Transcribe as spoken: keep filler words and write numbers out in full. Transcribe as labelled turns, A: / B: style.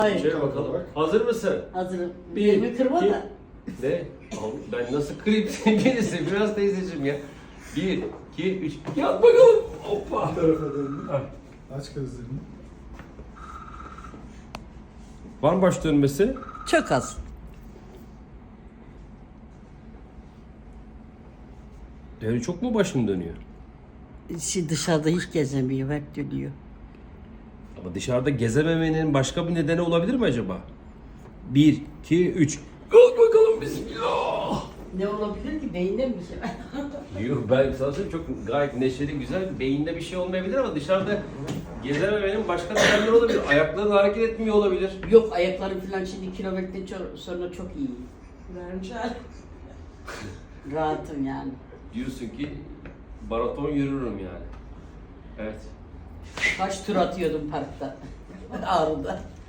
A: Hayır.
B: Şöyle bakalım. Hazır mısın?
A: Hazırım.
B: Bir,
A: Elimi kırma
B: iki-
A: da.
B: Ne? Abi ben nasıl kırayım seni birisi? Biraz teyzeciğim ya. Bir, iki, üç. Yat bakalım. Hoppa.
C: Bu tarafa döndüm. Aç gözlerini.
B: Var mı baş dönmesi?
A: Çok az.
B: Yani çok mu başım dönüyor?
A: Şimdi dışarıda hiç gezemiyor, hep dönüyor.
B: Ama dışarıda gezememenin başka bir nedeni olabilir mi acaba? Bir, iki, üç. Kalk bakalım bismillah.
A: Ne olabilir ki? Beyinde mi bir şey?
B: Yok ben sana söyleyeyim çok gayet neşeli güzel. Beyinde bir şey olmayabilir ama dışarıda gezememenin başka nedenleri olabilir. Ayakların hareket etmiyor olabilir.
A: Yok, ayaklarım falan şimdi kilometre ço- sonra çok iyi.
D: Bence.
A: Rahatım yani.
B: Diyorsun ki maraton yürürüm yani. Evet.
A: Kaç tur atıyordum parkta. Ağrı'da.